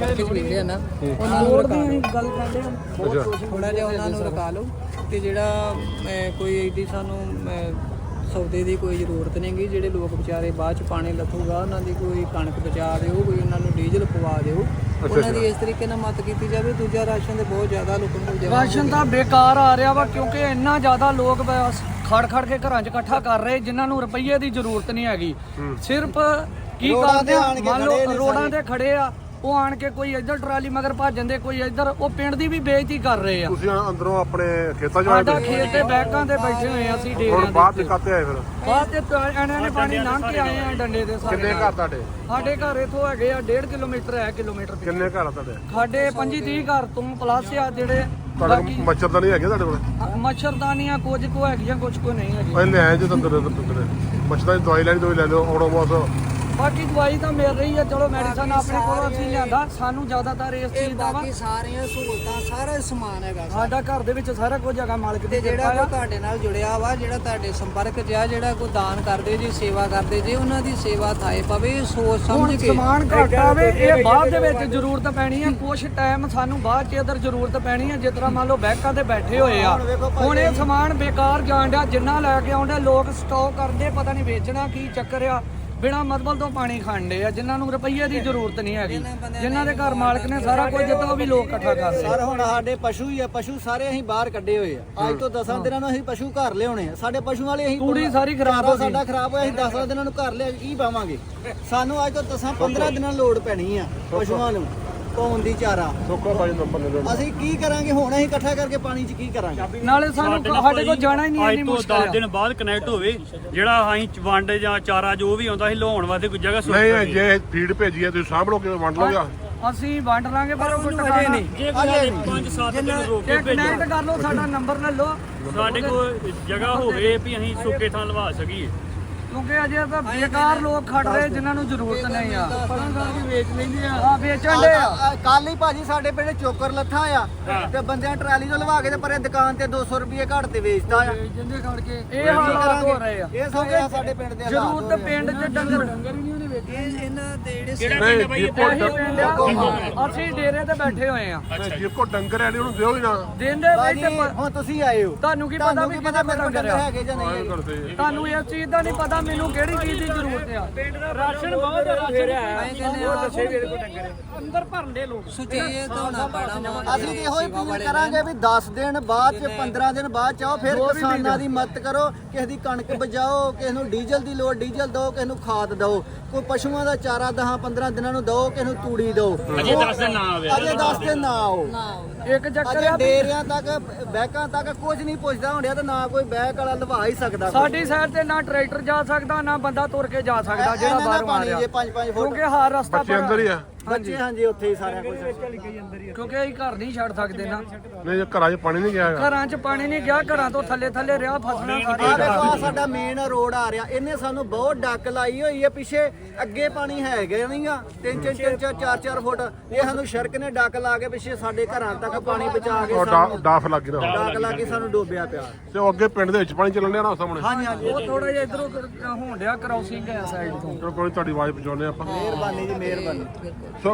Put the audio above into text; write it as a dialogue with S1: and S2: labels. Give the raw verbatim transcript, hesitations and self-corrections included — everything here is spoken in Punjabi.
S1: ਨੰਬਰ ਕੇ ਵਿਖਦੇ ਨਾ ਉਹਨਾਂ ਨੂੰ ਰਕਾ ਲਓ ਗੱਲ ਕਰਦੇ ਹਾਂ ਥੋੜਾ ਜਿਹਾ ਉਹਨਾਂ ਨੂੰ ਰਕਾ ਲਓ ਤੇ ਜਿਹੜਾ ਕੋਈ ਏਡੀ ਸਾਨੂੰ ਸੌਦੇ ਦੀ ਕੋਈ ਜ਼ਰੂਰਤ ਨਹੀਂ ਗੀ। ਜਿਹੜੇ ਲੋਕ ਵਿਚਾਰੇ ਬਾਅਦ ਚ ਪਾਣੀ ਲੱਥੂਗਾ ਉਹਨਾਂ ਦੀ ਕੋਈ ਕਣਕ ਬਚਾ ਦਿਓ, ਕੋਈ ਉਹਨਾਂ ਨੂੰ ਡੀਜ਼ਲ ਪਵਾ ਦਿਓ, ਉਹਨਾਂ ਦੀ ਇਸ ਤਰੀਕੇ ਨਾਲ ਮਦਦ ਕੀਤੀ ਜਾਵੇ। ਦੂਜਾ ਰਾਸ਼ਨ ਤੇ ਬਹੁਤ ਜ਼ਿਆਦਾ ਲੋਕਾਂ ਕੋਲ
S2: ਰਾਸ਼ਨ ਤਾਂ ਬੇਕਾਰ ਆ ਰਿਹਾ ਵਾ ਕਿਉਂਕਿ ਇੰਨਾ ਜ਼ਿਆਦਾ ਲੋਕ ਖੜ ਖੜ ਕੇ ਘਰਾਂ 'ਚ ਇਕੱਠਾ ਕਰ ਰਹੇ ਜਿਨ੍ਹਾਂ ਨੂੰ ਰੁਪਈਏ ਦੀ ਜ਼ਰੂਰਤ ਨਹੀਂ ਹੈਗੀ। ਸਿਰਫ ਕੀ ਕਰਦੇ ਆ ਮੰਨ ਲਓ ਰੋਡਾਂ ਤੇ ਖੜੇ ਆ ਉਹ ਆਣ ਕੇ ਕੋਈ ਇੱਧਰ ਟਰਾਲੀ ਮਗਰ ਭੱਜ ਜਾਂਦੇ, ਕੋਈ ਇੱਧਰ, ਉਹ ਪਿੰਡ ਦੀ ਵੀ ਬੇਇੱਜ਼ਤੀ ਕਰ ਰਹੇ ਆ।
S3: ਤੁਸੀਂ ਅੰਦਰੋਂ ਆਪਣੇ ਖੇਤਾਂ 'ਚ
S2: ਸਾਡਾ ਖੇਤ ਤੇ ਬੈਕਾਂ ਤੇ ਬੈਠੇ ਹੋਏ ਆ ਅਸੀਂ ਡੇਰਿਆਂ ਦੇ
S3: ਬਾਅਦ 'ਚ ਕਾਤੇ ਆਏ ਫਿਰ
S2: ਬਾਅਦ ਤੇ ਇਹਨਾਂ ਨੇ ਪਾਣੀ ਲੰਘ ਕੇ ਆਏ ਆ ਡੰਡੇ ਦੇ ਸਾਰੇ।
S3: ਕਿੰਨੇ ਘਰ ਤੁਹਾਡੇ?
S2: ਸਾਡੇ ਘਰ ਇਥੋਂ ਹੈਗੇ ਆ ਡੇਢ ਕਿਲੋਮੀਟਰ ਹੈ ਕਿਲੋਮੀਟਰ ਤੇ।
S3: ਕਿੰਨੇ ਘਰ ਆ ਤੁਹਾਡੇ?
S2: ਸਾਡੇ ਪੰਜੀ ਤੀਹ ਘਰ ਤੋਂ ਪਲੱਸ ਆ ਜਿਹੜੇ
S3: ਤੁਹਾਡੇ ਮੱਛਰਦਾਨੀ ਹੈਗੇ ਤੁਹਾਡੇ ਕੋਲ?
S2: ਮੱਛਰਦਾਨੀਆਂ ਕੁਝ ਕੋ ਹੈਗੀਆਂ ਕੁਝ ਕੋ ਨਹੀਂ ਹੈਗੀ।
S3: ਪਹਿਲੇ ਆਏ ਜੇ ਤੰਦਰ ਤੰਦਰ ਮੱਛਰਦਾਨੀ ਦੀ ਦਵਾਈ ਲੈਣੀ ਦੋਈ ਲੈ ਲਿਓ ਓਡੋਮੋਸ।
S2: ਬਾਕੀ ਦਵਾਈ ਤਾਂ ਮਿਲ ਰਹੀ ਹੈ, ਚਲੋ ਮੈਡੀਸਨ ਆਪਣੇ ਕੋਲੋਂ ਅਸੀਂ ਲਿਆਂਦਾ। ਸਾਨੂੰ ਜ਼ਿਆਦਾਤਰ ਇਸ ਚੀਜ਼ ਦਾ ਵਾ
S1: ਬਾਕੀ ਸਾਰੀਆਂ ਸਹੂਲਤਾਂ ਸਾਰਾ ਸਮਾਨ ਹੈਗਾ
S2: ਸਾਡਾ ਘਰ ਦੇ ਵਿੱਚ ਸਾਰਾ ਕੁਝ ਹੈਗਾ ਮਾਲਕ
S1: ਤੇ ਜਿਹੜਾ ਕੋਈ ਤੁਹਾਡੇ ਨਾਲ ਜੁੜਿਆ ਵਾ, ਜਿਹੜਾ ਤੁਹਾਡੇ ਸੰਪਰਕ 'ਚ ਆ, ਜਿਹੜਾ ਕੋਈ ਦਾਨ ਕਰਦੇ ਜੀ, ਸੇਵਾ ਕਰਦੇ ਜੀ, ਉਹਨਾਂ ਦੀ ਸੇਵਾ ਥਾਏ ਪਵੇ ਸੋਚ ਸਮਝ ਕੇ।
S2: ਸਮਾਨ ਘੱਟ ਆਵੇ ਇਹ ਬਾਅਦ ਦੇ ਵਿੱਚ ਜ਼ਰੂਰਤ ਪੈਣੀ ਹੈ, ਕੁਝ ਟਾਈਮ ਸਾਨੂੰ ਬਾਅਦ 'ਚ ਇਧਰ ਜ਼ਰੂਰਤ ਪੈਣੀ ਹੈ। ਜਿਸ ਤਰ੍ਹਾਂ ਮੰਨ ਲਓ ਬੈਕਾਂ ਤੇ ਬੈਠੇ ਹੋਏ ਆ, ਹੁਣ ਇਹ ਸਮਾਨ ਬੇਕਾਰ ਜਾਣ ਡਿਆ। ਜਿੰਨਾ ਲੈ ਕੇ ਆਉਂਦੇ ਲੋਕ ਸਟਾਕ ਕਰਦੇ, ਪਤਾ ਨਹੀਂ ਵੇਚਣਾ ਕੀ ਚੱਕਰ ਆ, ਬਿਨਾਂ ਮਤਲਬ ਤੋਂ ਪਾਣੀ ਖਾਂਦੇ ਆ ਜਿਨ੍ਹਾਂ ਨੂੰ ਰੁਪਈਏ ਦੀ ਜ਼ਰੂਰਤ ਨਹੀਂ ਹੈਗੀ। ਜਿਨ੍ਹਾਂ ਦੇ ਘਰ ਮਾਲਕ ਨੇ ਸਾਰਾ ਕੁਝ ਦਿੱਤਾ ਉਹ ਵੀ ਲੋਕ ਇਕੱਠਾ ਕਰਦੇ।
S4: ਸਰ ਹੁਣ ਸਾਡੇ ਪਸ਼ੂ ਹੀ ਆ, ਪਸ਼ੂ ਸਾਰੇ ਅਸੀਂ ਬਾਹਰ ਕੱਢੇ ਹੋਏ ਆ। ਅੱਜ ਤੋਂ ਦਸਾਂ ਦਿਨਾਂ ਨੂੰ ਅਸੀਂ ਪਸ਼ੂ ਘਰ ਲਿਆਉਣੇ ਆ। ਸਾਡੇ ਪਸ਼ੂ ਵਾਲੇ ਅਸੀਂ
S2: ਤੂੜੀ ਸਾਰੀ ਖਰਾਬ ਹੋ ਗਈ,
S4: ਸਾਡਾ ਖਰਾਬ ਹੋਇਆ। ਅਸੀਂ ਦਸਾਂ ਦਿਨਾਂ ਨੂੰ ਘਰ ਲਿਆ ਕੀ ਪਾਵਾਂਗੇ? ਸਾਨੂੰ ਅੱਜ ਤੋਂ ਦਸਾਂ ਪੰਦਰਾਂ ਦਿਨਾਂ ਲੋੜ ਪੈਣੀ ਆ ਪਸ਼ੂਆਂ ਨੂੰ ਪਾਉਣ ਦੀ ਚਾਰਾ।
S3: ਸੋਕਾ ਬਾਈ ਨੰਬਰ ਲੈ ਲਓ।
S4: ਅਸੀਂ ਕੀ ਕਰਾਂਗੇ ਹੁਣ? ਅਸੀਂ ਇਕੱਠਾ ਕਰਕੇ ਪਾਣੀ 'ਚ ਕੀ ਕਰਾਂਗੇ?
S2: ਨਾਲੇ ਸਾਨੂੰ ਸਾਡੇ ਕੋਲ ਜਾਣਾ ਹੀ ਨਹੀਂ ਇੰਨੀ
S5: ਅੱਜ ਤੋਂ
S2: ਮੁਸ਼ਕਲ
S5: ਦਸ ਦਿਨ ਬਾਅਦ ਕਨੈਕਟ ਹੋਵੇ ਜਿਹੜਾ ਅਸੀਂ ਵੰਡ ਜਾਂ ਚਾਰਾ ਜੋ ਵੀ ਆਉਂਦਾ ਸੀ ਲਾਉਣ ਵਾਸਤੇ ਕੋਈ ਜਗ੍ਹਾ ਸੋਚ
S3: ਨਹੀਂ ਜੇ ਫੀਡ ਭੇਜੀ ਹੈ ਤੁਸੀਂ ਸਾਂਭ ਲਓ ਕਿਵੇਂ ਵੰਡ ਲਓਗੇ?
S2: ਅਸੀਂ ਵੰਡ ਲਾਂਗੇ ਪਰ ਉਹ ਟਿਕਾਣਾ ਨਹੀਂ।
S5: ਜੇ ਕੋਈ ਪੰਜ ਸੱਤ ਦਿਨ ਰੋਕ ਕੇ ਭੇਜੋ
S2: ਕਨੈਕਟ ਕਰ ਲਓ, ਸਾਡਾ ਨੰਬਰ ਲੈ ਲਓ
S5: ਸਾਡੇ ਕੋਲ ਜਗ੍ਹਾ ਹੋਵੇ ਵੀ ਅਸੀਂ ਸੁੱਕੇ ਥਾਂ ਲਵਾ ਸਕੀਏ।
S2: ਕਿਉਂਕਿ ਅਜੇ ਤਾਂ ਬੇਕਾਰ ਲੋਕ ਖੜ ਰਹੇ ਜਿਨ੍ਹਾਂ ਨੂੰ ਜ਼ਰੂਰਤ ਨਹੀਂ ਆ। ਪਰਾਂ ਕਰਕੇ ਵੇਚ ਲੈਂਦੇ ਆ, ਆ ਵੇਚਣ ਦੇ ਆ।
S4: ਕੱਲ ਹੀ ਭਾਜੀ ਸਾਡੇ ਪਿੰਡ ਚੋਕਰ ਲੱਥਾ ਆ ਤੇ ਬੰਦਿਆਂ ਟਰਾਲੀ ਤੋਂ ਲਵਾ ਕੇ ਤੇ ਪਰੇ ਦੁਕਾਨ ਤੇ ਦੋ ਸੌ ਰੁਪਏ ਘੱਟ ਤੇ ਵੇਚਦਾ ਆ।
S2: ਜਿੰਦੇ ਖੜ ਕੇ ਇਹ ਹਾਲਾਤ ਹੋ ਰਹੇ ਆ।
S4: ਇਹ ਸੋਗੇ ਸਾਡੇ ਪਿੰਡ ਦੇ ਹਾਲਾਤ
S2: ਜ਼ਰੂਰਤ ਪਿੰਡ 'ਚ ਡੰਗਰ ਡੰਗਰ ਹੀ ਨਹੀਂ ਉਹਨੇ ਵੇਚੇ।
S1: ਇਹਨਾਂ ਦੇ ਜਿਹੜੇ
S5: ਕਿਹੜਾ ਪਿੰਡ ਬਾਈ?
S2: ਇਹੀ ਪਿੰਡ ਆ, ਅਸੀਂ ਡੇਰੇ ਤੇ ਬੈਠੇ ਹੋਏ ਆ।
S3: ਜੇ ਕੋ ਡੰਗਰ ਹੈ ਉਹਨੂੰ ਦਿਓ ਹੀ ਨਾ।
S2: ਦਿੰਦੇ
S4: ਭਾਜੀ
S2: ਬੈਠੇ
S4: ਹੁਣ ਤੁਸੀਂ ਆਏ ਹੋ,
S2: ਤੁਹਾਨੂੰ ਕੀ ਪਤਾ ਵੀ
S4: ਪਤਾ ਮੇਰੇ ਕੋਲ ਡੰਗਰ ਹੈਗੇ ਜਾਂ ਨਹੀਂ?
S3: ਕਰਦੇ
S2: ਤੁਹਾਨੂੰ ਇਸ ਚੀਜ਼ ਦਾ ਨਹੀਂ ਪਤਾ ਮੈਨੂੰ ਕਿਹੜੀ ਚੀਜ਼ ਦੀ ਜ਼ਰੂਰਤ ਆ। ਰਾਸ਼ਨ ਬਹੁਤ ਰਾਸ਼ਨ ਅੰਦਰ ਭਰਨ ਦੇ ਲੋਕ
S1: ਸੁਚੇਤ ਹੋਣਾ ਪੈਣਾ ਵਾ।
S4: ਅਸੀਂ ਇਹੋ ਹੀ ਅਪੀਲ ਕਰਾਂਗੇ ਵੀ ਦਸ ਦਿਨ ਬਾਅਦ ਚ ਪੰਦਰਾਂ ਦਿਨ ਬਾਅਦ ਚ ਆਓ, ਫਿਰ ਕਿਸਾਨਾਂ ਦੀ ਮਦਦ ਕਰੋ। ਕਿਸੇ ਦੀ ਕਣਕ ਬਚਾਓ, ਕਿਸੇ ਨੂੰ ਡੀਜ਼ਲ ਦੀ ਲੋੜ ਡੀਜ਼ਲ ਦਿਓ, ਕਿਸੇ ਨੂੰ ਖਾਦ ਦਿਓ, ਕੋਈ ਪਸ਼ੂਆਂ ਦਾ ਚਾਰਾ ਦਸਾਂ ਪੰਦਰਾਂ ਦਿਨਾਂ ਨੂੰ ਦਿਓ, ਕਿਸੇ ਨੂੰ ਤੂੜੀ ਦਿਓ।
S5: ਅਜੇ ਦਸ ਦਿਨ ਨਾ ਆਵੇ,
S4: ਅਜੇ ਦਸ ਦਿਨ ਨਾ ਆਓ।
S2: ਇੱਕ ਚੱਕਰ
S4: ਅਜੇ
S2: ਆ
S4: ਡੇਰਿਆਂ ਤੱਕ ਬੈਕਾਂ ਤੱਕ ਕੁਝ ਨਹੀਂ ਪੁੱਛਦਾ ਹੁੰਦਿਆ ਤੇ ਨਾ ਕੋਈ ਬੈਕ ਵਾਲਾ ਲਵਾ ਹੀ ਸਕਦਾ।
S2: ਸਾਡੀ ਸਾਈਡ ਤੇ ਨਾ ਟਰੈਕਟਰ ਜਾ ਸਕਦਾ ਨਾ ਬੰਦਾ ਤੁਰ ਕੇ ਜਾ ਸਕਦਾ ਜਿਹੜਾ ਬਾਹਰੋਂ ਆ ਰਿਹਾ,
S4: ਜੇ ਪੰਜ ਪੰਜ ਫੁੱਟ
S2: ਕਿਉਂਕਿ ਹਰ ਰਸਤਾ
S3: ਬੱਚੇ ਅੰਦਰ ਹੀ ਆ।
S4: ਬੱਚੇ ਹਾਂਜੀ ਉੱਥੇ ਹੀ ਸਾਰਾ ਕੁਝ।
S2: ਕਿਉਂਕਿ ਅਸੀਂ ਘਰ ਨਹੀਂ ਛੱਡ ਸਕਦੇ ਨਾ।
S3: ਨਹੀਂ ਜੇ ਘਰਾਂ 'ਚ ਪਾਣੀ ਨਹੀਂ ਗਿਆ ਹੈਗਾ।
S2: ਘਰਾਂ 'ਚ ਪਾਣੀ ਨਹੀਂ ਗਿਆ, ਘਰਾਂ ਤੋਂ ਥੱਲੇ ਥੱਲੇ ਰਿਹਾ ਫਸਣਾ
S4: ਆ ਦੇਖੋ ਆ ਸਾਡਾ ਮੇਨ ਰੋਡ ਆ ਰਿਹਾ, ਇਹਨੇ ਸਾਨੂੰ ਬਹੁਤ ਡੱਕ ਲਾਈ ਹੋਈ ਹੈ। ਪਿੱਛੇ ਅੱਗੇ ਪਾਣੀ ਹੈਗਾ ਨਹੀਂਗਾ, ਤਿੰਨ ਤਿੰਨ ਤਿੰਨ ਚਾਰ ਚਾਰ ਚਾਰ ਫੁੱਟ। ਇਹ ਸਾਨੂੰ ਸੜਕ ਨੇ ਡੱਕ ਲਾ ਕੇ ਪਿੱਛੇ ਸਾਡੇ ਘਰਾਂ ਤੱਕ ਪਾਣੀ ਪਹੁੰਚਾ ਕੇ
S3: ਉਹ ਡਾ- ਡਾਫ ਲੱਗ ਰਿਹਾ
S4: ਡੱਕ ਲਾ ਕੇ ਸਾਨੂੰ ਡੋਬਿਆ ਪਿਆ।
S3: ਤੇ ਉਹ ਅੱਗੇ ਪਿੰਡ ਦੇ ਵਿੱਚ ਪਾਣੀ ਚੱਲਣ ਡਿਆ ਨਾ ਸਾਹਮਣੇ।
S4: ਹਾਂਜੀ ਹਾਂਜੀ
S2: ਉਹ ਥੋੜਾ ਜਿਹਾ ਇਧਰੋਂ ਹੋਣ ਡਿਆ ਕ੍ਰਾਸਿੰਗ ਹੈ ਸਾਈਡ ਤੋਂ।
S3: ਚਲੋ ਕੋਈ ਤੁਹਾਡੀ ਆਵਾਜ਼ ਪਹੁੰਚਾਉਂਦੇ ਆਪਾਂ।
S4: ਮਿਹਰਬਾਨੀ ਜੀ ਮਿਹਰਬਾਨੀ।